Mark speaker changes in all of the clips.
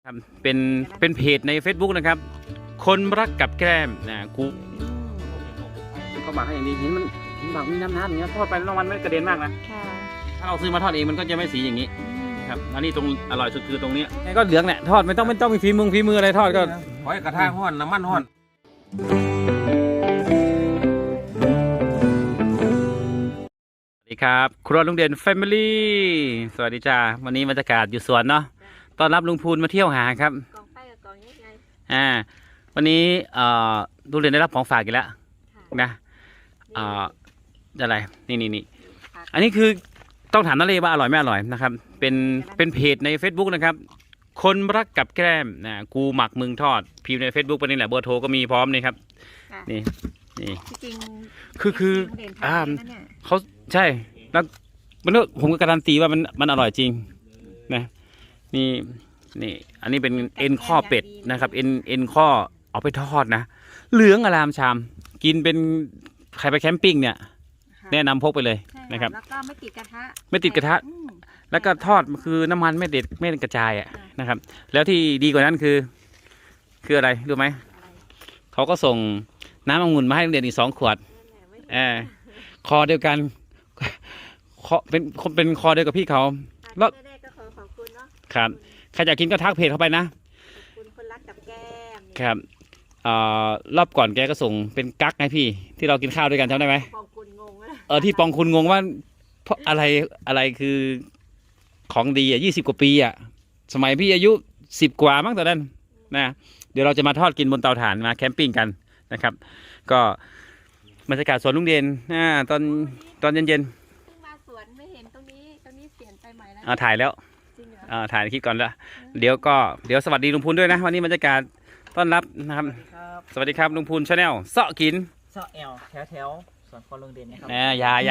Speaker 1: ครับเป็นเพจใน Facebook นะครับคนรักกับแกล้มนะกูเขาบอกให้อย่างนี้เห็นมันบอกมีน้ำอย่างเงี้ยทอดไปแล้วมันไม่กระเด็นมากนะถ้าเราซื้อมาทอดเองมันก็จะไม่สีอย่างนี้ครับอันนี้ตรงอร่อยสุดคือตรงนี้ก็เหลืองแหละทอดไม่ต้องมีฝีมืออะไรทอดก็
Speaker 2: หอยกระทะห้อนน้ำมันห้อน
Speaker 1: สวัสดีครับครัวลุงเด่นแฟมิลี่สวัสดีจ้าวันนี้บรรยากาศอยู่สวนเนาะต้อนรับลุงพูนมาเที่ยวหาครับ
Speaker 3: กองไฟกับกองยังไง
Speaker 1: วันนี้ลุงเด่นได้รับของฝากอีกแล้วนะอะไรนี่อันนี้คือต้องถามน้าเล่ว่าอร่อยไม่อร่อยนะครับเป็นเพจใน Facebook นะครับคนรักกับแกล้มนะกูหมักมึงทอดพิมพ์ใน Facebook ไปนี่แหละเบอร์โทรก็มีพร้อมนี่ครับนี่
Speaker 3: จริง
Speaker 1: คือเขาใช่แล้วมันผมก็การันตีว่ามันอร่อยจริงนะนี่อันนี้เป็นเอ็นข้อเป็ดนะครับเอ็นข้อเอาไปทอดนะเหลืองอลามชามกินเป็นใครไปแคมปิ้งเนี่ยแนะนำพกไปเลยนะครับ
Speaker 3: แล้วก็ไม่ติดกระทะ
Speaker 1: แล้วก็ทอดคือน้ำมันไม่กระจายนะครับแล้วที่ดีกว่านั้นคืออะไรรู้ไหมเขาก็ส่งน้ำองุ่นมาให้โรงเรียนอีก2 ขวดคอเดียวกันเป็นคอเดียวกับพี่เขา
Speaker 3: แล้วก็ขอบคุณเนาะ
Speaker 1: ครับใครอยากกินก็ทักเพจเข้าไปนะ
Speaker 3: ขอบคุณคนรักกับแก้ม
Speaker 1: ครับรอบก่อนแกก็ส่งเป็นกั๊กให้พี่ที่เรากินข้าวด้วยกันจำได้ไหม
Speaker 3: ปองคุณงง
Speaker 1: ที่ปองคุณงงว่าเพราะอะไรคือของดี20 กว่าปีสมัยพี่อายุ10 กว่ามั้งตอนนั้นนะเดี๋ยวเราจะมาทอดกินบนเตาถ่านมาแคมปิ้งกันนะครับก็บรรยากาศสวนลุงเด่นตอนเย็น
Speaker 3: มาสวนไม่เห็นตรงนี้เปลี่ยนไปใหม่แล้ว
Speaker 1: ถ่ายแล้วถ่ายคลิปก่อนแล้วเดี๋ยวสวัสดีลุงพูนด้วยนะวันนี้บรรยากาศต้อนรับนะครับสวัสดีครับลุงพูนชาแนลเสาะกิน
Speaker 4: เสาะแอลแถวสวนคอลุงเด่นนะครับ
Speaker 1: ยา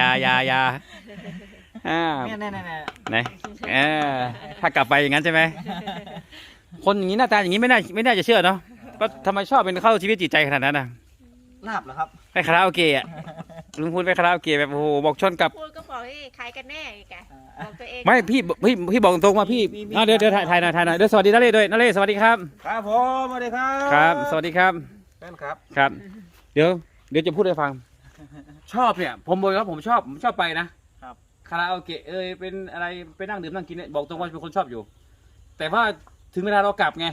Speaker 1: ไหนถ้ากลับไปอย่างนั้นใช่ไหมคนอย่างนี้หน้าตาอย่างนี้ไม่น่าจะเชื่อเนาะก็ทำไมชอบเป็นเข้าชีวิตจิตใจขนาดนั้น
Speaker 4: ลาบเหรอครับ
Speaker 1: ไปคาราโอเกะลุงพูนไปคาราโอเกะแบบโอ้โหบอกชนกับ
Speaker 3: พูดก็บอกให้ขายกันแน่แกบอกตัวเอง
Speaker 1: ไม่พี่บอกตรงว่าพี่เดี๋ยวถ่ายหน่อยเดี๋ยวสวัสดีนาเล่ด้วยนาเล่สวัสดีครับ
Speaker 2: ครับผมสวัสดีครับ
Speaker 1: ครับสวัสดีครับ
Speaker 2: แฟนครับ
Speaker 1: ครับเดี๋ยวจะพูดให้ฟังชอบเนี่ยผมบอกว่าผมชอบไปนะครับคาราโอเกะเป็นอะไรไปนั่งดื่มนั่งกินเนี่ยบอกตรงว่าเป็นคนชอบอยู่แต่ว่าถึงเวลาเรากลับไง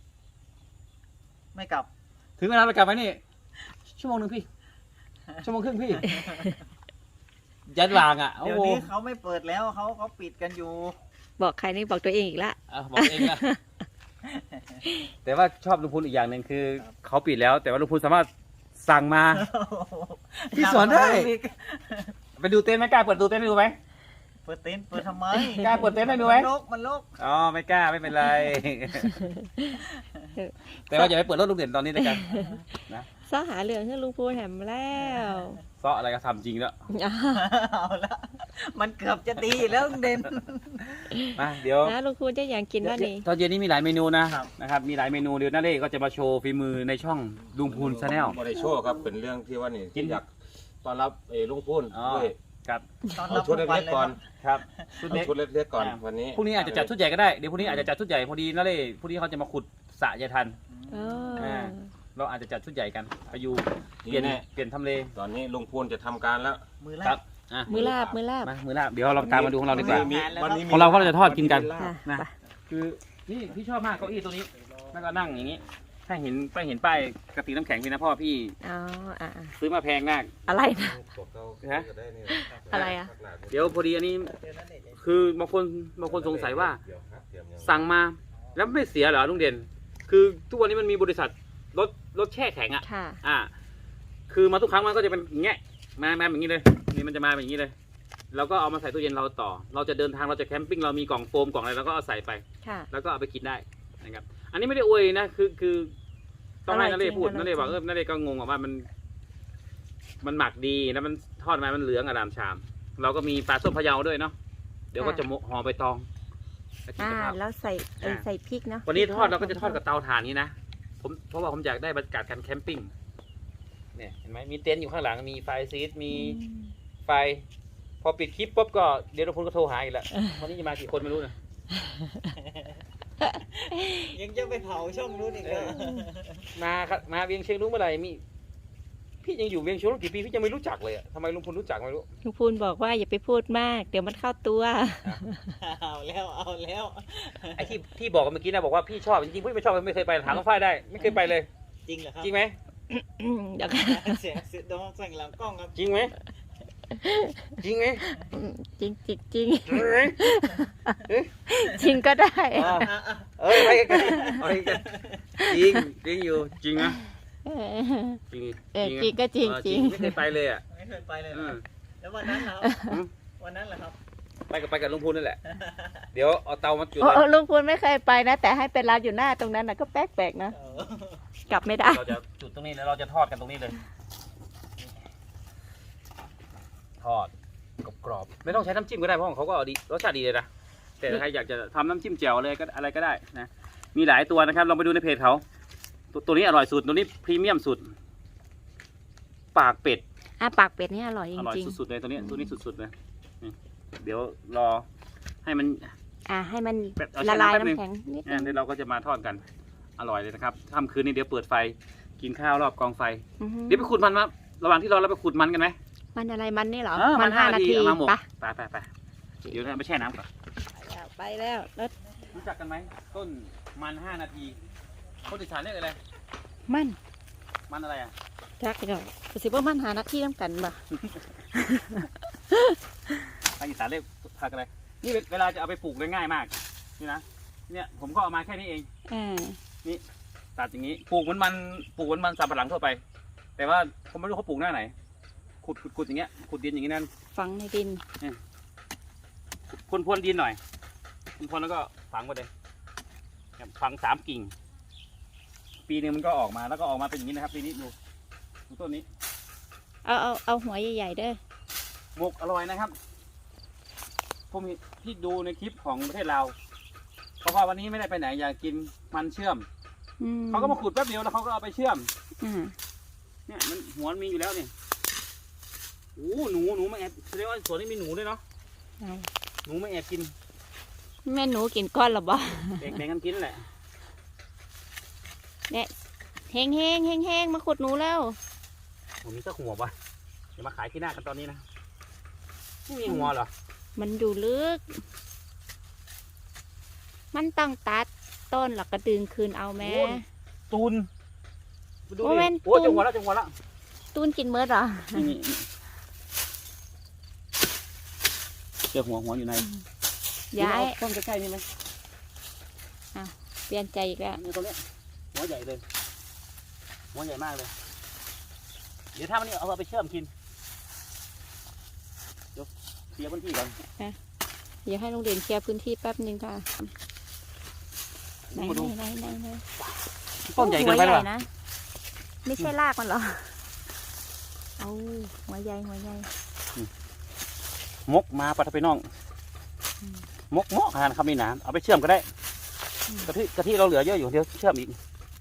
Speaker 4: ไม่กลับ
Speaker 1: ถึงเวลาเรากลับไปนี่ชั่วโมง 1พี่ชั่วโมงครึ่งพี่ยัดวาง
Speaker 4: เดี๋ยวนี้เขาไม่เปิดแล้วเขาปิดกันอยู่
Speaker 3: บอกใครนี่บอกตัวเองอีกละ
Speaker 1: บอกเองละแต่ว่าชอบลุงพูนอีกอย่างหนึ่งคือเขาปิดแล้วแต่ว่าลุงพูนสามารถสั่งมาพี่สอนได้ไปดูเต็นท์ไหมกล้าเปิดดูเต็นท์ให้ดูไหม
Speaker 4: เปิดเต็นท์เปิดทำไม
Speaker 1: กล้าเปิดเต็นท์ให้ดูไหม
Speaker 4: มันลก
Speaker 1: อ๋อไม่กล้าไม่เป็นไรแต่ว่าอย่าไปเปิดรถลุงเด่นตอนนี้ด้วยกันนะ
Speaker 3: ซ้อหาเหลืองให้ลุงพูนแหมแล้ว
Speaker 1: ซ้ออะไรก็ทำจริงแล้ว
Speaker 4: เอาละมันเกือบจะดีแล้วลุงเด่น
Speaker 1: มาเดี๋ยว
Speaker 3: นะลุงพูนจะอยากกินว่านี่
Speaker 1: ตอนเย็นนี้มีหลายเมนูนะครับมีหลายเมนูเดี๋ยวน้าเล่ก็จะมาโชว์ฝีมือในช่องลุงพูนชาแนล
Speaker 2: ไม่ได้โชว์ครับเป็นเรื่องที่ว่านี่กินอยากต้อนรับลุงพูนด้วย
Speaker 1: ครับ
Speaker 2: เอาชุดเล็กๆก่อน
Speaker 1: ครับ
Speaker 2: ชุดเล็กๆก่อนวันนี้
Speaker 1: พรุ่งนี้อาจจะจัดชุดใหญ่ก็ได้เดี๋ยวพรุ่งนี้อาจจะจัดชุดใหญ่พอดีน้าเล่พรุ่งนี้เขาจะมาขุดสระยายทันเราอาจจะจัดชุดใหญ่กันไปอยู่เปลี่ยนทำเล
Speaker 2: ตอนนี้ลุงพูนจะทำการแล้ว
Speaker 4: มือลาบ
Speaker 3: มือลาบ
Speaker 1: เดี๋ยวเราตามมาดูของเราดีกว่าของเราก็จะทอดกินกันนะคือนี่พี่ชอบมากเก้าอี้ตัวนี้แล้วก็นั่งอย่างนี้ถ้าเห็นป้ายกระติกน้ำแข็งพี่นะพ่อพี่ซื้อมาแพงมาก
Speaker 3: อะไรนะอะไร
Speaker 1: เดี๋ยวพอดีอันนี้คือบางคนสงสัยว่าสั่งมาแล้วไม่เสียเหรอลุงเด่นคือทุกวันนี้มันมีบริษัทรถแช่แข็งคือมาทุกครั้งมันก็จะเป็นอย่างเงี้ยมาอย่างนี้เลยนี่มันจะมาอย่างนี้เลยเราก็เอามาใส่ตู้เย็นเราต่อเราจะเดินทางเราจะแคมปิ้งเรามีกล่องโฟมกล่องอะไรเราก็เอาใส่ไปแล้วก็เอาไปกินได้นะครับอันนี้ไม่ได้อวยนะคือต้องให้นาเล่พูดนาเล่บอกนาเล่ก็งงว่ามันหมักดีแล้วมันทอดมามันเหลืองอร่ามชามเราก็มีปลาส้มพะเยาด้วยเนาะเดี๋ยวก็จะห่อใบตอง
Speaker 3: แล้วใส่พริกนะ
Speaker 1: วันนี้ทอดเราก็จะทอดกับเตาถ่านนี้นะเพราะว่าผมอยากได้บรรยากาศการแคมปิ้งเนี่ยเห็นไหมมีเต็นท์อยู่ข้างหลังมีไฟซีดมีไฟพอปิดคลิปปุ๊บก็เดี๋ยวเราพูนก็โทรหาอีกแล้ววันนี้จะมากี่คนไม่รู้นะ
Speaker 4: ยังจะไปเผาช่องนู้นอีกเหรอ
Speaker 1: มาครับมาเวียงเชียงรุ้งเมื่อไหร่มีพี่ยังอยู่เวียงเชียงรุ้งกี่ปีพี่ยังไม่รู้จักเลยอะทำไมลุงพลรู้จักไม่รู้
Speaker 5: ลุงพูนบอกว่าอย่าไปพูดมาก เดี๋ยวมันเข้าตัว
Speaker 4: เอาแล้ว
Speaker 1: ไอ้ที่บอกกันเมื่อกี้นะบอกว่าพี่ชอบจริงๆพี่ไม่ชอบไม่เคยไปถามน้องฝ้ายได้ไม่เคยไปเลย
Speaker 4: จริงเหรอครับ
Speaker 1: จริงไหม
Speaker 5: เดี๋ยว
Speaker 4: เสียงดองสั่งหลังกล้องครับ
Speaker 1: จริงไหมจริงไหม
Speaker 5: จริงจริงจริง
Speaker 1: จริงไหม
Speaker 5: จริงก็ได้
Speaker 1: อ่าเอ้ยไปกันเอาไปกันจริงจริงอยู่จริงนะจริง
Speaker 5: จริงก็จริง
Speaker 1: เออ
Speaker 5: จริง
Speaker 1: ไม่เคยไปเลยอ่ะ
Speaker 4: ไม่เคยไปเลย
Speaker 1: อืม
Speaker 4: แล้ววันนั้นเหรอ
Speaker 1: อืม
Speaker 4: วันนั้นเหรอครับ
Speaker 1: ไปกับลุงพลนั่นแหละเดี๋ยวเอาเตามาจุด
Speaker 5: โอ้
Speaker 1: เลย
Speaker 5: ลุงพูนไม่เคยไปนะ แต่ให้เป็นร้านอยู่หน้าตรงนั้นนะก็แปลกๆนะ
Speaker 4: เออก
Speaker 5: ลับไม่ได้
Speaker 1: เราจะจุดตรงนี้แล้วเราจะทอดกันตรงนี้เลยทอดกรอบๆไม่ต้องใช้น้ำจิ้มก็ได้เพราะของเขาก็ดีรสชาติดีเลยนะแต่ถ้าใครอยากจะทำน้ำจิ้มแจ่วเลยก็อะไรก็ได้นะมีหลายตัวนะครับลองไปดูในเพจเขาตัวนี้อร่อยสุดตัวนี้พรีเมียมสุดปากเป็ด
Speaker 5: ปากเป็ดนี่อร่อยจ
Speaker 1: อร่อย
Speaker 5: ริง
Speaker 1: สุดๆเลยตัวนี้สุดๆเลยนี่เดี๋ยวรอให้มัน
Speaker 5: ๆให้มัน
Speaker 1: แบบเอา
Speaker 5: ละ
Speaker 1: แช่
Speaker 5: ลาย
Speaker 1: น้ำแป๊บนึง
Speaker 5: น้ำแข็งนิดนึ
Speaker 1: เดี๋ยวเราก็จะมาทอดกันอร่อยเลยนะครับค่ำคืนนี้เดี๋ยวเปิดไฟกินข้าวรอบกองไฟ
Speaker 5: อือฮึ
Speaker 1: เดี๋ยวไปขุดมันมาระหว่างที่รอเราไปขุดมันกันไหม
Speaker 5: มันอะไรมันนี่เหรอ
Speaker 1: มัน5 นาทีเอามาหมก
Speaker 5: ปะ
Speaker 1: ไปเดี๋ยวเราไปแช่น้ำก่อน
Speaker 5: ไปแล้วรถ
Speaker 1: รู้จักกันไหมต้นมัน5 นาทีคนอีสานเรียกอะไร
Speaker 5: มัน
Speaker 1: มันอะไรอ่ะ
Speaker 5: จักเดี๋ยวสิว่ามันหาหน้าที่น้ำกันบ่
Speaker 1: ภาคอีสานเรียกผักอะไรนี่เวลาจะเอาไปปลูกได้ง่ายมากนี่นะเนี่ยผมก็เอามาแค่นี้เอง ตัดอย่างนี้ปลูกเหมือนมันสำปะหลังทั่วไป แต่ว่าผมไม่รู้เขาปลูกหน้าไหนขุดอย่างเงี้ยขุดดินอย่างนี้นั่น
Speaker 5: ฝังในดิน
Speaker 1: พรวนดินหน่อยพรวนแล้วก็ฝังไปเลยฝัง3 กิ่ง ปีนึงมันก็ออกมาแล้วก็ออกมาเป็นอย่างนี้นะครับปีนี้ดูต้นนี้
Speaker 5: เอาหัวใหญ่ๆเด้อ
Speaker 1: หมกอร่อยนะครับผมเห็นที่ดูในคลิปของประเทศลาวเพราะว่าวันนี้ไม่ได้ไปไหนอยากกินมันเชื่อม เขาก็มาขุดแป๊บเดียวแล้วเขาก็เอาไปเชื่อมเนี่ยมันหัวมันมีอยู่แล้วนี่โอ้หนูมาแอบแสดงว่าสวนนี้มีหนูด้วยเนาะหนูมาแอบกิน
Speaker 5: แม่หนูกินก้อนหรอบ่
Speaker 1: แบ่งกันกินแหละ
Speaker 5: เนี่ยเฮงมาขุดหนูแล้ว
Speaker 1: ผมมีสักหัวปะเดี๋ยวมาขายที่หน้ากันตอนนี้นะไม่มีหัวเหรอ
Speaker 5: มันอยู่ลึก มันต้องตัดต้นหลักกระดึงคืนเอาแม่
Speaker 1: ตูนดู
Speaker 5: โอ้
Speaker 1: ดิ
Speaker 5: แม่น
Speaker 1: โอ้จังหวะแล้ว
Speaker 5: ตูนกินเมื่อหรอ
Speaker 1: นี่เจอหัวอยู่ใน
Speaker 5: ย้าย
Speaker 1: ต้นใกล้ๆนี่ไหม
Speaker 5: เปลี่ยนใจอีกแล้ว
Speaker 1: นี่ตัวเนี้ยหัวใหญ่เลยหัวใหญ่มากเลย เดี๋ยวถ้ามันนี่เอาไปเชื่อมกินเดี๋ยวเคลียร์พื้นที่ก่อน
Speaker 5: เดี๋ยวให้ลุงเด่นเคลียร์พื้นที่แป๊บนึงค่ะไหน
Speaker 1: มาดู
Speaker 5: ต้นใหญ่เกินไปหรอ
Speaker 1: วะ
Speaker 5: นะไม่ใช่รากมันหรอเอาหัวใหญ่
Speaker 1: มกมาปะทะไปน้องมกขนาดคำนี้นะเอาไปเชื่อมก็ได้กะทิเราเหลือเยอะอยู่เดี๋ยวเชื่อมอีก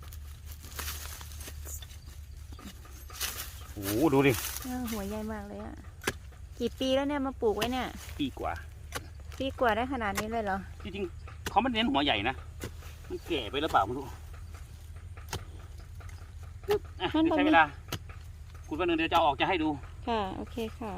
Speaker 1: โอ้โหดูดิ
Speaker 5: หัวใหญ่มากเลยอ่ะกี่ปีแล้วเนี่ยมาปลูกไว้เนี่ย
Speaker 1: ปีกว่า
Speaker 5: ปีกว่าได้ขนาดนี้เลยเหรอ
Speaker 1: จริงๆเขาไม่เน้นหัวใหญ่นะมันแก่ไปหรือเปล่าไม่รู้ใช้เวลาคุณวันหนึ่งเดี๋ยวจะเอาออกจะให้ดู
Speaker 5: ค่ะโอเคค่ะ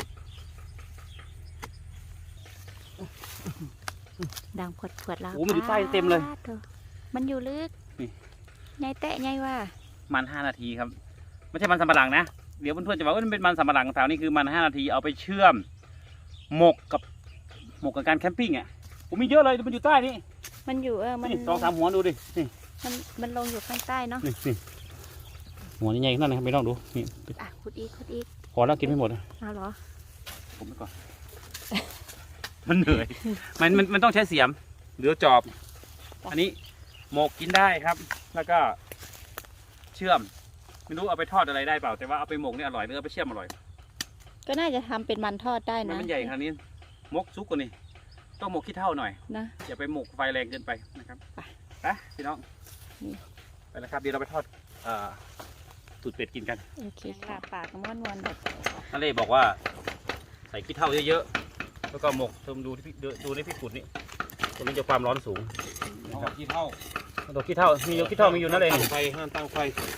Speaker 5: ดังผดแล้ว
Speaker 1: โอ้มันอยู่ใต้เต็มเลย
Speaker 5: มันอยู่ลึก
Speaker 1: นี่
Speaker 5: ไงแตะไงว่า
Speaker 1: มัน5 นาทีครับไม่ใช่มันสำปะหลังนะเดี๋ยวเพื่อนๆจะบอกว่ามันเป็นมันสำปะหลังแถวนี้คือมัน5 นาทีเอาไปเชื่อมหมกกับการแคมปิ้งอ่ะผมมีเยอะเลยมันอยู่ใต้นี่
Speaker 5: มันอยู่มัน
Speaker 1: นี่2-3 หัวดูดินี่
Speaker 5: มันลงอยู่ข้างใต้เนาะ
Speaker 1: นี่หัวใหญ่ๆนั่นนะครับไม่ต้องดูนี่
Speaker 5: ขุดอีก
Speaker 1: พอแล้วกินไม่หมด
Speaker 5: เอาเหรอ
Speaker 1: ผมไปก่อน มันเหนื่อยมันต้องใช้เสียมหรือจอบ อันนี้หมกกินได้ครับ แล้วก็เชื่อมไม่รู้เอาไปทอดอะไรได้เปล่าแต่ว่าเอาไปหมกนี่อร่อยหรือเอาไปเชื่อมอร่อย
Speaker 5: ก็น่าจะทำเป็นมันทอดได้
Speaker 1: มัน
Speaker 5: นะ
Speaker 1: เป็นใหญ่ขนาดนี้มกซุกกว่านี่ต้องหมกขี้เท่าหน่อย
Speaker 5: นะ
Speaker 1: อย่าไปหมกไฟแรงเกินไปนะครับ
Speaker 5: ไป
Speaker 1: พี่น้อง
Speaker 5: นี่
Speaker 1: ไปแล้วครับเดี๋ยวเราไปทอดตูดเป็ดกินกัน
Speaker 5: โอเคค่ะปากม้วนๆแบบ
Speaker 1: นั่นเลยบอกว่าใส่ขี้เท่าเยอะๆแล้วก็หมกเติมดูในพี่ขุดนี่ตัวนี้จะความร้อนสูง
Speaker 2: เอาขี้เท่า
Speaker 1: ตัวขี้เท่ามีอยู่ขี้เท่ามีอยู่นั่นเลย
Speaker 2: ตั้งไฟห้ามตั้งไฟ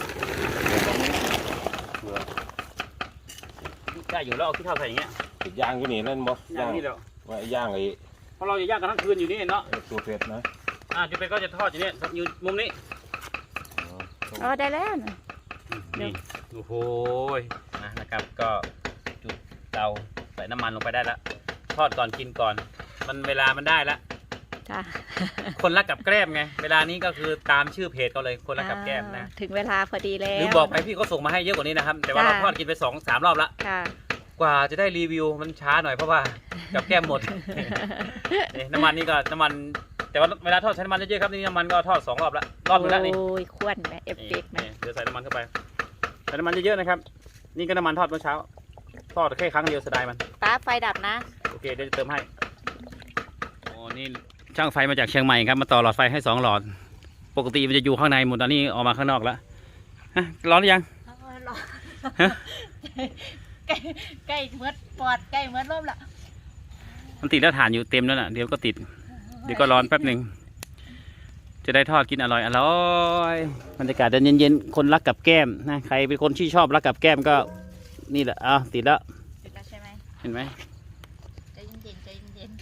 Speaker 1: ได้อยู่แล้วเอาขี้เท่าใส่อย่างเงี้ย
Speaker 2: ติดย่างอยู่นี่เล่นบ่
Speaker 1: ย่างนี่แล้ว
Speaker 2: ไว้ย่างไอ้
Speaker 1: เพราะเราจะย่างกันทั้งคืนอยู่นี่เนาะ
Speaker 2: สูตรเผ็ดนะ
Speaker 1: จุดเป็ดก็จะทอดอยู่นี่อยู่มุมนี้
Speaker 5: อ๋อได้แล้วนะ
Speaker 1: นี่โอ้โหนะครับก็จุดเตาใส่น้ำมันลงไปได้แล้วทอดก่อนกินก่อนมันเวลามันได้แล้ว
Speaker 5: จ้ะ
Speaker 1: คนรักกับแกล้มไงเวลานี้ก็คือตามชื่อเพจเขาเลยคนรักกับแกล้มนะ
Speaker 5: ถึงเวลาพอดีแล้ว
Speaker 1: หรือบอกไปพี่เขาส่งมาให้เยอะกว่านี้นะครับแต่ว่าเราทอดกินไป2-3 รอบละ
Speaker 5: ค่ะ
Speaker 1: กว่าจะได้รีวิวมันช้าหน่อยเพราะว่ากับแกล้มหมด นี่น้ำมันนี่ก็น้ำมันแต่ว่าเวลาทอดใช้น้ำมันเยอะๆครับนี่น้ำมันก็ทอด2 รอบละรอบนึงละนี่
Speaker 5: โอ้ยควนไหมเอฟเฟกต์ไหม
Speaker 1: นี่เดี๋ยวใส่น้ำมันเข้าไปใส่น้ำมันเยอะๆนะครับนี่ก็น้ำมันทอดเมื่อเช้าทอดแค่ครั้งเดียวเสียดายมัน
Speaker 5: ป้าไฟดับนะ
Speaker 1: โอเคเดี๋ยวจะเติมให้โอ้นี่ช่างไฟมาจากเชียงใหม่ครับมาต่อหลอดไฟให้2 หลอดปกติมันจะอยู่ข้างในหมดตอนนี้ออกมาข้างนอกแล้วฮะร้อนหรือยังฮะ
Speaker 5: ใกล้เมื่อปอดใกล้เมื่อร่มละ
Speaker 1: มันติดแล้วถ่านอยู่เต็มแล้วน่ะเดี๋ยวก็ติดเดี๋ยวก็ร้อนแป๊บหนึ่งจะได้ทอดกินอร่อยบรรยากาศเย็นๆคนรักกับแก้มนะใครเป็นคนที่ชอบรักกับแก้มก็นี่แหละติดแล้ว
Speaker 5: ติดแล้วใช่ไหม
Speaker 1: เห็นไหม
Speaker 5: ใจเย็นๆใจเย็น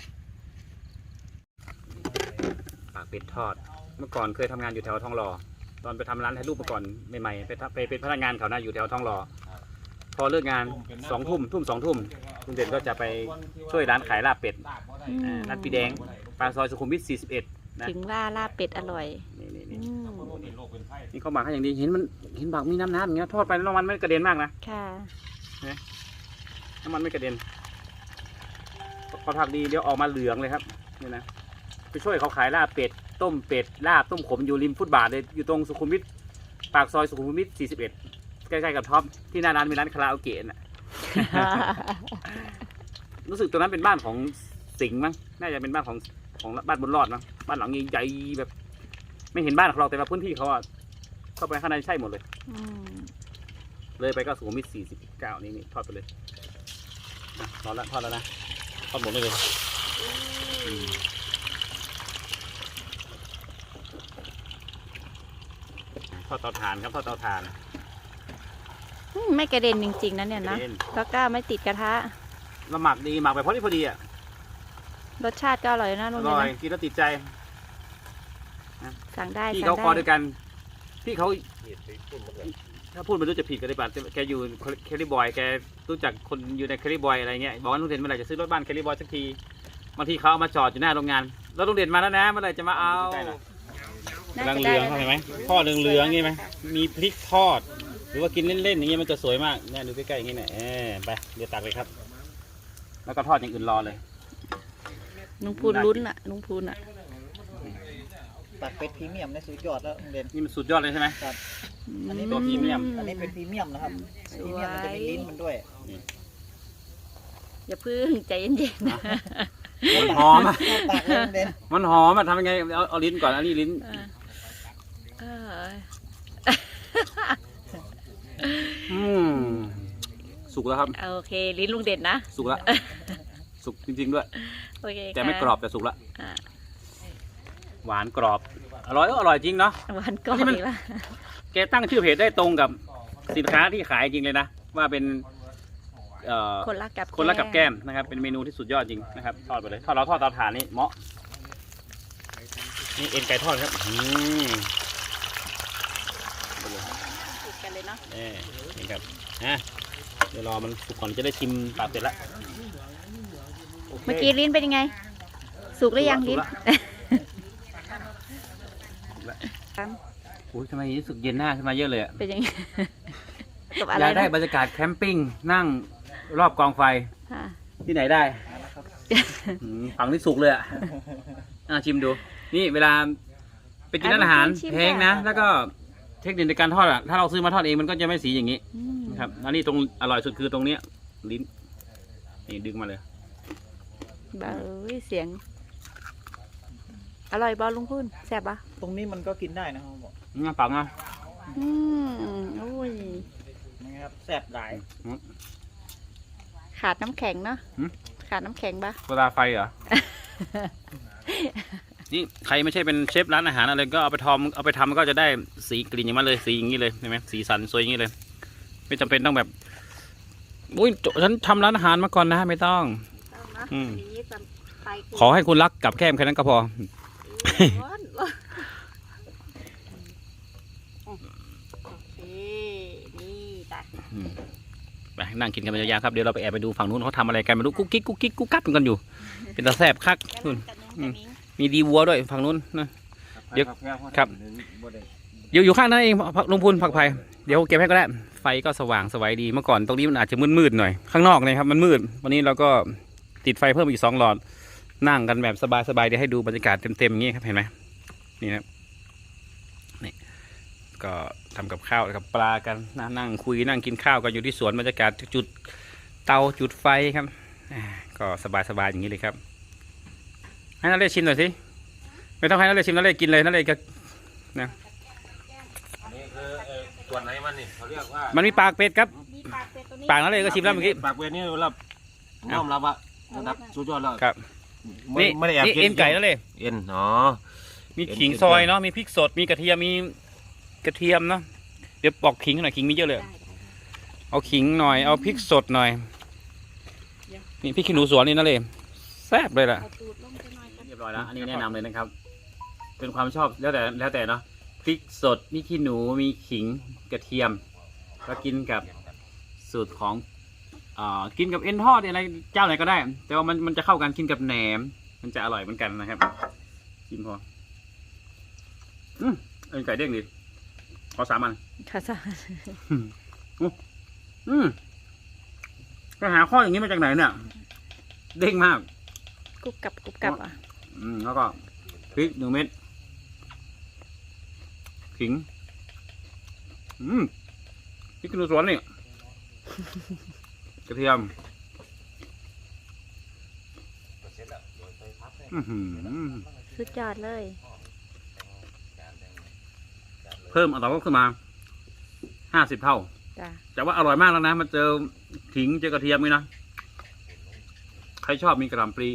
Speaker 1: ปากเป็ดทอดเมื่อก่อนเคยทำงานอยู่แถวทองหล่อตอนไปทำร้านถ่ายรูปเมื่อก่อนใหม่ๆไปเป็นพนักงานเขานะอยู่แถวทองหล่อพอเลิกงาน2 ทุ่ม2 ทุ่มคุณเด่นก็จะไปช่วยร้านขายลาบเป็ด ร้านปีแดงปากซอยสุขุมวิท41นะ
Speaker 5: ถึงว่าลาบเป็ดอร่อย
Speaker 1: นี่
Speaker 5: อืม
Speaker 1: นี่เขาหมักให้อย่างดีเห็นหมักมีน้ำอย่างเงี้ยทอดไปแล้วน้ำมันไม่กระเด็นมากนะ
Speaker 5: ค่ะ
Speaker 1: น้ำมันไม่กระเด็นพอผักดีเดี๋ยวออกมาเหลืองเลยครับนี่นะไปช่วยเขาขายลาบเป็ดต้มเป็ดลาบต้มขมอยู่ริมฟุตบาทเลยอยู่ตรงสุขุมวิทปากซอยสุขุมวิท41ใกล้ๆกับท็อปที่หน้าร้านมีร้านคาราโอเกะน่ะ รู้สึกตรงนั้นเป็นบ้านของสิงห์มั้งน่าจะเป็นบ้านของบ้านบนรอดมั้งบ้านหลังใหญ่ๆแบบ ไม่เห็นบ้านของเราแต่ว่าพื้นที่เขาเข้าไปข้างในใช่หมดเลย
Speaker 5: อืม
Speaker 1: เลยไปก็สุขุมวิท49นี่ทอดไปเลยทอดแล้วนะทอดหมดเลยทอดเตาถ่านครับทอดเตาถ่าน
Speaker 5: ไม่กระเด็นจริงๆนะเนี่ยนะ
Speaker 1: กระเด็น
Speaker 5: แล้วก็ไม่ติดกระทะ
Speaker 1: แล้วหมักดีหมักไปพอดีอ่ะ
Speaker 5: รสชาติก็อร่อยนะ
Speaker 1: อ
Speaker 5: ลุง
Speaker 1: ร่อย
Speaker 5: เนะ
Speaker 1: กินแล้วติดใจ
Speaker 5: สั่งได้
Speaker 1: พี่
Speaker 5: สั่
Speaker 1: เขา
Speaker 5: ง
Speaker 1: คอ
Speaker 5: ได้
Speaker 1: ด้วยกันพี่เขาถ้าพูดไม่รู้จะผิดกันหรือเปล่าแกอยู่แคลิบอยแกรู้จักคนอยู่ในแคลิบอยอะไรเงี้ยบอกว่าลุงเด่นเมื่อไหร่จะซื้อรถบ้านแคลิบอยสักทีบางทีเขาเอามาจอดอยู่หน้าโรงงานแล้วลุงเด่นมาแล้วนะเมื่อไหร่จะมาเอากำลังเหลืองเห็นไหมทอดเหลืองๆนี่ไหมมีพริกทอดหรือว่ากินเล่นๆอย่างเงี้ยมันจะสวยมากเนี่ยดูใกล้ๆอย่างงี้เนี่ยไปเดี๋ยวตักเลยครับ แล้วก็ทอดอย่างอื่นรอเลย
Speaker 5: ลุงพูนลุ้นอ่ะลุงพูนอ่ะ
Speaker 4: ตัดเป็ดพรีเมียมในสุดยอดแล้วลุงเด่น
Speaker 1: นี่มันสุดยอดเลยใช่ไหม
Speaker 4: อันนี้
Speaker 1: ตัวพรีเมียม
Speaker 4: อันนี้เป็นพรีเมียมนะครับพรีเมียมมันจะมีลิ้นมันด้วย
Speaker 5: อย่าพึ่งใจเย็นๆนะ
Speaker 1: มันหอมอะ
Speaker 4: ปากเลยลุงเด่น
Speaker 1: มันหอมอะทำยังไงเอาลิ้นก่อนอันนี้ลิ้น
Speaker 5: เออ
Speaker 1: สุกแล้วครับ
Speaker 5: โอเคลิ้นลุงเด่นนะ
Speaker 1: สุกแล้วสุกจริงๆด้วย
Speaker 5: โอเค
Speaker 1: แต่ไม่กรอบแต่สุกแล้ว
Speaker 5: อ่า
Speaker 1: หวานกรอบอร่อยจริงเนาะ
Speaker 5: หวานกรอบ
Speaker 1: นี่มัน
Speaker 5: อีกละ
Speaker 1: แกตั้งชื่อเพจได้ตรงกับสินค้าที่ขายจริงเลยนะว่าเป็น
Speaker 5: คนรักกับ
Speaker 1: คนรักกับแก้มนะครับเป็นเมนูที่สุดยอดจริงนะครับทอดไปเลยทอดเราทอดเตาถ่านนี่เหมาะนี่เอ็นไก่ทอดครับ
Speaker 5: ติดกันเลยเนาะ
Speaker 1: นี่ครับเดี๋ยวรอมันสุกก่อนจะได้ชิมปากเป็ดละโค
Speaker 5: เมื่อกี้ลิ้นเป็นยังไง สุกหรือยังลิ้น
Speaker 1: อุ้ยทำไมรู้สึกเย็นหน้าขึ้นมาเยอะเลยอะ
Speaker 5: เป็นยังไงกับอะ
Speaker 1: อ
Speaker 5: ไร
Speaker 1: ยากได้
Speaker 5: นะ
Speaker 1: บรรยากาศแคมปิ้งนั่งรอบกองไฟ
Speaker 5: ค่ะ
Speaker 1: ที่ไหนได้ฝั่งที่สุกเลยอ่ะชิมดู นี่เวลาไปกินร้านอาหารแพงนะ แล้วก็เทคนิคในการทอดอ่ะ ถ้าเราซื้อมาทอดเองมันก็จะไม่สีอย่างนี้
Speaker 5: อืม
Speaker 1: นะครับอันนี้ตรงอร่อยสุดคือตรงเนี้ยลิ้น นี่ดึงมาเลย
Speaker 5: เบาเสียง อร่อยบอลลุงพูนแซ่บปะ
Speaker 4: ตรงนี้มันก็กินได้นะครับบอก
Speaker 1: งั้นปักนะ
Speaker 5: โอ้ย
Speaker 4: นะครับแซ่บหลาย
Speaker 5: ขาดน้ำแข็งเนาะ
Speaker 1: หืม
Speaker 5: ขาดน้ำแข็งปะ
Speaker 1: เวลาไฟเหรอนี่ใครไม่ใช่เป็นเชฟร้านอาหารอะไรก็เอาไปทำก็จะได้สีกลิ่นอย่างมันเลยสีอย่างนี้เลยเห็นไหมสีสันสวยอย่างนี้เลยไม่จำเป็นต้องแบบอุ้ยฉันทำร้านอาหารมาก่อนนะไม่ต้อง อืม ขอให้คุณรักกับแก้มแค่นั้นก็พอ
Speaker 3: ร้อนโอเคนี่จ้ะ
Speaker 1: ไปนั่งกินกันไปยาวๆครับเดี๋ยวเราไปแอบไปดูฝั่งนู้นเขาทำอะไรกันไม่รู้กุ๊กกิ๊กกุ๊กกิ๊กกุ๊กกัดกันอยู่ เป็นตาแสบคักนู่นมีดีวัวด้วยฝั่งนู้นนะ เดี๋ยวครับ อยู่ข้างนั้นเองลุงพูนผักไผ่เดี๋ยวเก็บให้ก็ได้ไฟก็สว่างสวัยดีเมื่อก่อนตรงนี้มันอาจจะมืดๆหน่อยข้างนอกนะครับมันมืดวันนี้เราก็ติดไฟเพิ่มอีก2 หลอดนั่งกันแบบสบายๆเดี๋ยวให้ดูบรรยากาศเต็มๆอย่างนี้ครับเห็นไหมนี่นะนี่ก็ทำกับข้าวกับปลากันนั่งคุยนั่งกินข้าวกันอยู่ที่สวนบรรยากาศจุดเตาจุดไฟครับก็สบายๆอย่างนี้เลยครับให้นักเรียนชิมหน่อยสิไม่ต้องให้นักเรียนชิมนักเรียนกินเลยนักเรียนก็นะ
Speaker 2: นี่คือส่วนไหนมันนี่เขาเรียกว่า
Speaker 1: มันมีปากเป็ดครับ
Speaker 3: มีปากเป็ดตัวนี้
Speaker 1: ปากนักเรียนก็ชิมแล้วเมื่อกี้
Speaker 2: ปากเวรนี่รับน้อมรับว่าระดับสุดยอดแล้ว
Speaker 1: ครับ นี่
Speaker 2: ไม่ได้แอบ
Speaker 1: นี่
Speaker 2: กิน
Speaker 1: เอ็นไก่นั่นเลย
Speaker 2: เอ็นอ๋อ
Speaker 1: มีขิงซอยเนาะมีพริกสดมีกระเทียมมีกระเทียมเนาะเดี๋ยวปอกขิงหน่อยขิงมีเยอะเลยเอาขิงหน่อยเอาพริกสดหน่อยนี่พริกขี้หนูสวนนี่นั่นเลยแซ่บเลยล่ะ
Speaker 3: เอาตูดลงไปหน่อยกัน
Speaker 1: เรียบร้อยแล้วอันนี้แนะนำเลยนะครับ เป็นความชอบแล้วแต่เนาะพริกสดมีขี้หนูมีขิงกระเทียมก็กินกับสูตรของกินกับเอ็นทอดอะไรเจ้าไหนก็ได้ แต่ว่ามันจะเข้ากันกินกับแหนมมันจะอร่อยเหมือนกันนะครับชิมพอเอ็นไก่เด้งดีขอ3 อัน
Speaker 5: ค่ะจ้ะ
Speaker 1: ไปหาข้ออย่างนี้มาจากไหนเนี่ยเด้งมาก
Speaker 5: กรุบกรับอ่ะ
Speaker 1: แล้วก็พริก1 เม็ดขิงพริกขี้หนูสวนนี่ กระเทียม
Speaker 5: สุดยอดเลย
Speaker 1: เพิ่มอัตราก็ขึ้นมา50 เท่า
Speaker 5: จ้ะ
Speaker 1: แต่ว่าอร่อยมากแล้วนะมันเจอขิงเจอกระเทียมนี่นะใครชอบมีกระหล่ำปลี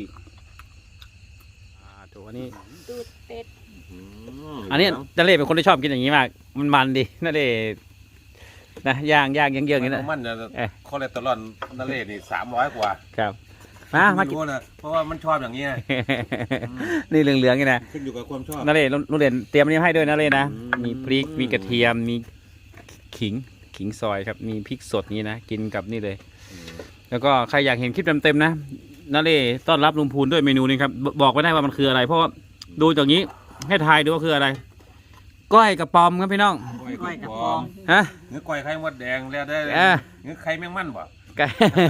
Speaker 1: ตัวนี้
Speaker 3: ตูดเป็ด
Speaker 1: อันนี้นั่นเล่เป็นคนที่ชอบกินอย่างนี้มากมันดีนั่นเล่นะย่างเยื่องๆอย่างนี้นะ
Speaker 2: มันจะคอเลสเตอรอลนั่นเลยนี่300 กว่า
Speaker 1: ครับมากิน
Speaker 2: รู้นะเพราะว่ามันชอบอย่างนี้
Speaker 1: นี่เหลืองๆนี่นะ
Speaker 2: ขึ้นอยู่กับความชอบ
Speaker 1: นั่นเล่ลุงเด่นเตรียมอันนี้ให้ด้วยนั่นเล่นะ
Speaker 2: อืม
Speaker 1: มีพริกมีกระเทียมมีขิงซอยครับมีพริกสดนี้นะกินกับนี่เลย แล้วก็ใครอยากเห็นคลิปเต็มๆนะนั่นเล่ต้อนรับลุงพูนด้วยเมนูนี้ครับบอกไม่ได้ว่ามันคืออะไร เพราะว่าดูจากนี้ให้ทายดูว่าคืออะไรก้อยกระป๋อมครับพี่น้อง
Speaker 2: ก้อยกระป๋อม
Speaker 1: ฮะ
Speaker 2: เนื้อก้อยไข่มดแดงแล้วได้
Speaker 1: อ่า
Speaker 2: เนื้อไข่แมงมันบ่
Speaker 1: ไก่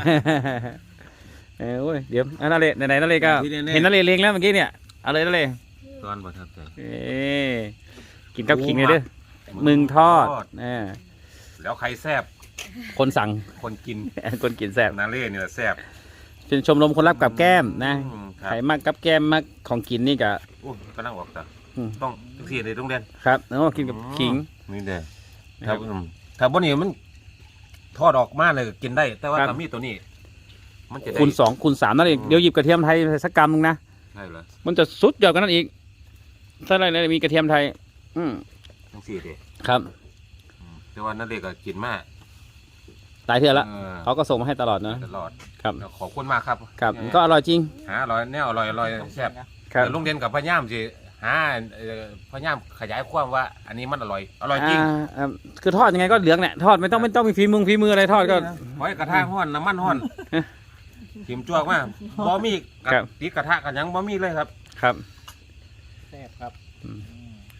Speaker 1: โอ้ยเดี๋ยวนั่นเลยไหนๆนั่นเลยก็
Speaker 2: ที่แน่ๆ
Speaker 1: เห็นนั่นเลยเลี้ยงแล้วเมื่อกี้เนี่ยเอาเลยนั่นเลย
Speaker 2: ตอนประทับใจ
Speaker 1: กินกับขิงเลยเด้อมึงทอด
Speaker 2: แล้วใครแซ่บ
Speaker 1: คนสั่ง
Speaker 2: คนกิน
Speaker 1: คนกินแซ่บ
Speaker 2: นาเล่เนี่ยแซ่บ
Speaker 1: เป็นชมรมคนรักกับแก้มนะ
Speaker 2: ครั
Speaker 1: ใคร
Speaker 2: บ
Speaker 1: มากกับแก้มมากของกินนี่ก็
Speaker 2: โอ้กำลังออกแต่
Speaker 1: อืม
Speaker 2: ต้องทุกทีเลยต้องเรียน
Speaker 1: ครับแล้วก็กินกับขิง
Speaker 2: นี่เด้อ
Speaker 1: นะค
Speaker 2: ถ้า
Speaker 1: รับ
Speaker 2: ถ้าบนนี้มันทอดออกมาเลยก็กินได้ แต่ว่า
Speaker 1: ครับ
Speaker 2: ถ้ามีตัวนี้ มันจะได้
Speaker 1: คูณ2คูณ3นั่นเองเดี๋ยวหยิบกระเทียมไทยสักกำนึงนะ
Speaker 2: ใช่เหรอ
Speaker 1: มันจะสุดยอดกันนั่นอีกถ้าอะไรเลยมีกระเทียมไทย
Speaker 2: ทั้งสี่ดิ
Speaker 1: ครับ
Speaker 2: แต่ว่านั่นเด็กก็กินมาก
Speaker 1: ตายเถื่อละ
Speaker 2: เออ
Speaker 1: เขาก็ส่งมาให้ตลอดนะ
Speaker 2: ตลอด
Speaker 1: ครับ
Speaker 2: ขอบคุณมากครับ
Speaker 1: ครับก็อร่อยจริง
Speaker 2: หาอร่อยแน่อร่อยแซ่บ
Speaker 1: ครับ
Speaker 2: แต่ลุงเด่นกับพะย่ามสิหาพะย่ามขยายความว่า อันนี้มันอร่อยจริง
Speaker 1: คือทอดยังไงก็เหลืองแหละทอดไม่ต้องมีฝีมืออะไรทอดก็
Speaker 2: ไว้กระทะห้อนน้ำมันห้อนทิมจวกมากบ่มีกระ
Speaker 1: ครับ
Speaker 2: ติดกระทะกันยังบ่มีเลยครับ
Speaker 1: ครับ
Speaker 4: แซ่บครับ
Speaker 1: อืม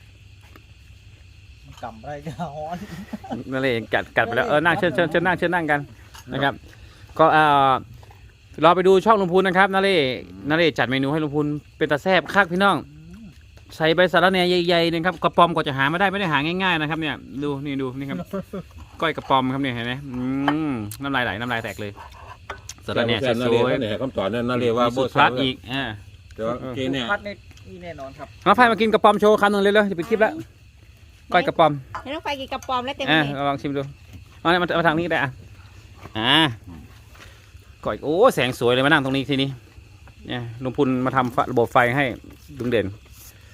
Speaker 4: กำไรจะฮ้อน
Speaker 1: นั่นเลยกัดไปแล้วนั่งเชิญนั่งกันนะครับ ก็รอไปดูช่องลุงพูนนะครับนั่นเลยจัดเมนูให้ลุงพูนเป็นตาแซ่บคักพี่น้องใส่ใบสะระแหน่ใหญ่ๆนะครับกระป๋อมก็จะหาไม่ได้หาง่ายๆนะครับเนี่ยดูนี่ครับก้อยกระป๋อมครับเนี่ยเห็นไหมน้ำลายไหลน้ำลายแตกเลยสะระแหน่สวยๆ
Speaker 2: เนี่ยคำตอบนั่นน่าเรียกว่า
Speaker 1: มีสูตรพลัดอีก
Speaker 2: แต่ว่าโอเคเนี่ย
Speaker 4: พัดนี่แน่นอนครับ
Speaker 1: น้องไฟมากินกระป๋อมโชว์คำหนึ่งเลยจะปิดคลิปแล้วก้อยกระป๋อม
Speaker 3: ให้น้องไฟกินกระป๋อมแล้วเต็มเลย
Speaker 1: ลองชิมดูเอาเนี่ยมาทางนี้ก็ได้ก้อยโอ้แสงสวยเลยมานั่งตรงนี้ทีนี้เนี่ยลุงพุนมาทำระบบไฟให้ลุงเด่น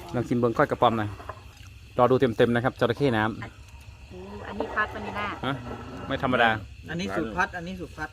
Speaker 1: ลองชิมเบิ้งก้อยกระป๋อมหน่อยรอดูเต็มๆนะครับจระเข้น้
Speaker 5: อันนี้พัดวานิลลา
Speaker 1: ำฮะไม่ธรรมดา
Speaker 4: อันนี้สูตรพัด อันนี้สูตรพัด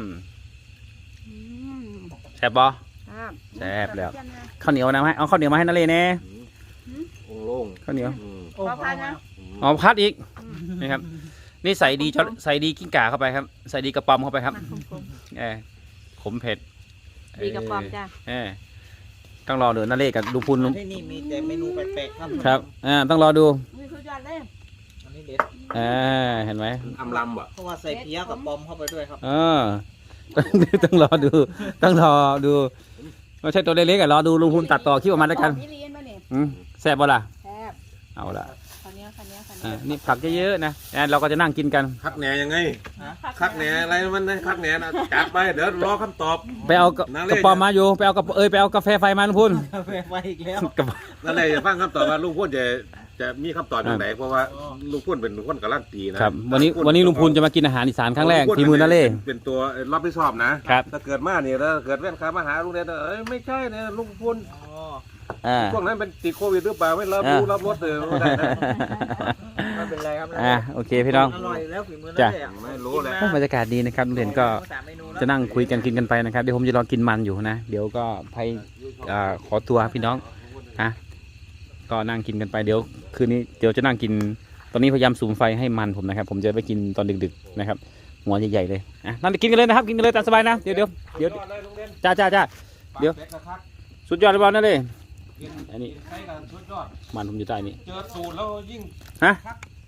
Speaker 1: แซ่บบ่
Speaker 5: ครับ
Speaker 1: แซ่บแล้วข้าวเหนียวนะให้เอาข้าวเหนียวมาให้นาเลแน่
Speaker 2: โล่ง
Speaker 1: ข้าวเหนียว
Speaker 4: โอ้พัดนะ
Speaker 1: อ๋อพัดอีกนี่ครับนี่ใส่ดีใส่ดีกิ้งก่าเข้าไปครับ ใส่ดีกระป๋อมเข้าไปครับ
Speaker 5: มันคม
Speaker 1: ขมเผ็ด
Speaker 5: ๆดีกับปอมจ้ะ
Speaker 1: ต้องรอเดี๋ยวนาเลกับลุงพูน
Speaker 4: ที่นี่มีแต่เมนูแปลกๆครับ
Speaker 1: ครับต้องรอดู
Speaker 3: นี่คือยอดเลย
Speaker 4: อันนี้เด็ด
Speaker 1: เห็นไหม
Speaker 2: อำลำบ่
Speaker 4: เพราะว่าใส่เพี้ยกับปอมเข้าไปด้วยครับ
Speaker 1: ต้องรอดูต้องรอดูไม่ใช่ตัวเล็กๆรอดูลุงพูนตัดต่อคลิปออกมาแล้วกัน
Speaker 3: นี่เรียนมาเนี่ย
Speaker 1: แซ่บบ่ล่ะ
Speaker 3: แซ่บ
Speaker 1: เอาละ
Speaker 3: คันนี้
Speaker 1: นี่ผักเยอะๆนะเราก็จะนั่งกินกัน
Speaker 2: คักแหนยังไงคักแหนอะไรมันนะคักแหนนะจัดไปเดี๋ยวรอคำตอบ
Speaker 1: ไปเอากระป๋อมมาอยู่ไปเอาไปเอากาแฟไฟมาลุงพูน
Speaker 4: กาแฟไฟอีกแล้ว
Speaker 2: นั่นเลยจะฟังคำตอบว่าลุงพูนจะมีคำตอบอย่างไหนเพราะว่าลุงพูนเป็นคนการันตีนะครับ
Speaker 1: วันนี้ลุงพูนจะมากินอาหารอีสานครั้งแรกฝีมือนาเล่
Speaker 2: เป็นตัวรับผิดชอบนะครับ ถ้าเกิดมาเนี่ยแล้วเกิดแว่นขามาหาลุงเนี่ยไม่ใช่เนี่ยลุงพูนช่วงนั้นเป็นติดโควิดหรือเปล่าไม่รับรู้รับรสเลยไม่ได้นะ
Speaker 4: ไม่เป็นไรครับ
Speaker 1: โอเคพี่น้อง
Speaker 4: อร่อยแล้วฝีมือนั่
Speaker 1: จ้ะ
Speaker 4: นแหละ
Speaker 2: ไม่รู้เลย
Speaker 1: บรรยากาศดีนะครับลุงเด่นก็ จะนั่งคุยกันกินกันไปนะครับเดี๋ยวผมจะรอกินมันอยู่นะเดี๋ยวก็ไปขอตัวพี่น้องนะก็นั่งกินกันไปเดี๋ยวคืนนี้เดี๋ยวจะนั่งกินตอนนี้พยายามสูมไฟให้มันผมนะครับผมจะไปกินตอนดึกๆนะครับหัวใหญ่ๆเลยนั่งกินกันเลยนะครับกินกันเลยตามสบายนะเดี๋ยวจ้าเดี๋ยวสุดยอดเลยบอลนั่นเลยอันนี้มันผมอยู่ใต้นี่
Speaker 2: เจอสูตรแล้วยิ่ง
Speaker 1: ฮะ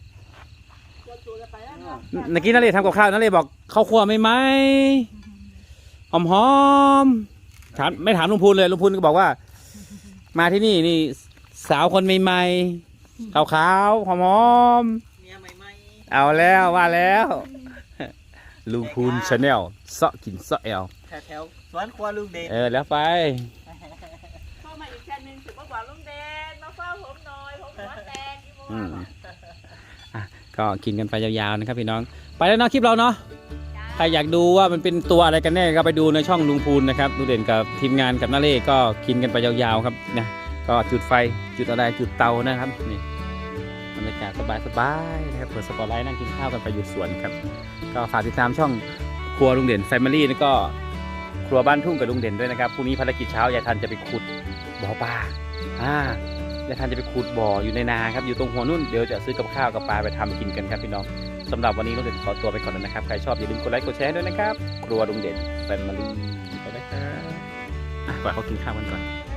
Speaker 1: เมื่อกี้นั่นเลยทำกับข้าวนั่นเลยบอกข้าวคั่วไม่ไหมหอมๆถามไม่ถามลุงพูนเลยลุงพูนก็บอกว่า มาที่นี่สาวคนใหม่ๆขาวๆหอม
Speaker 4: เมียใหม่
Speaker 1: ๆเอาแล้วว่าแล้วลุงพูนชาแนลเสาะกินเสาะแอล
Speaker 4: ๆแถวๆสวนครัวลุงเด่น
Speaker 1: แล้วไป
Speaker 3: เข้ามาอีกแค่นึงถือว่าหวานลุงแดงมาเฝ้าผมหน่อยผมหัวแดงกี่โมง
Speaker 1: ก็กินกันไปยาวๆนะครับพี่น้องไปแล้วเนาะคลิปเราเนาะใครอยากดูว่ามันเป็นตัวอะไรกันแน่ก็ไปดูในช่องลุงพูนนะครับลุงเด่นกับทีมงานกับน้าเล่ก็กินกันไปยาวๆครับนะก็จุดไฟจุดอะไรจุดเตานะครับนี่บรรยากาศสบายๆนะครับเปิดสปอตไลท์นั่งกินข้าวกันไปอยู่สวนครับก็ฝากติดตามช่องครัวลุงเด่นแฟมิลี่แล้วก็ครัวบ้านทุ่งกับลุงเด่นด้วยนะครับพรุ่งนี้ภารกิจเช้ายายทันจะไปขุดบ่อปลายายทันจะไปขุดบ่ออยู่ในนาครับอยู่ตรงหัวนุ่นเดี๋ยวจะซื้อกับข้าวกับปลาไปทำกินกันครับพี่น้องสำหรับวันนี้ลุงเด่นขอตัวไปก่อนแล้วนะครับใครชอบอย่าลืมกดไลค์กดแชร์ด้วยนะครับครัวลุงเด่นแฟมิลี่ไปนะครับไปเขากินข้าวกันก่อน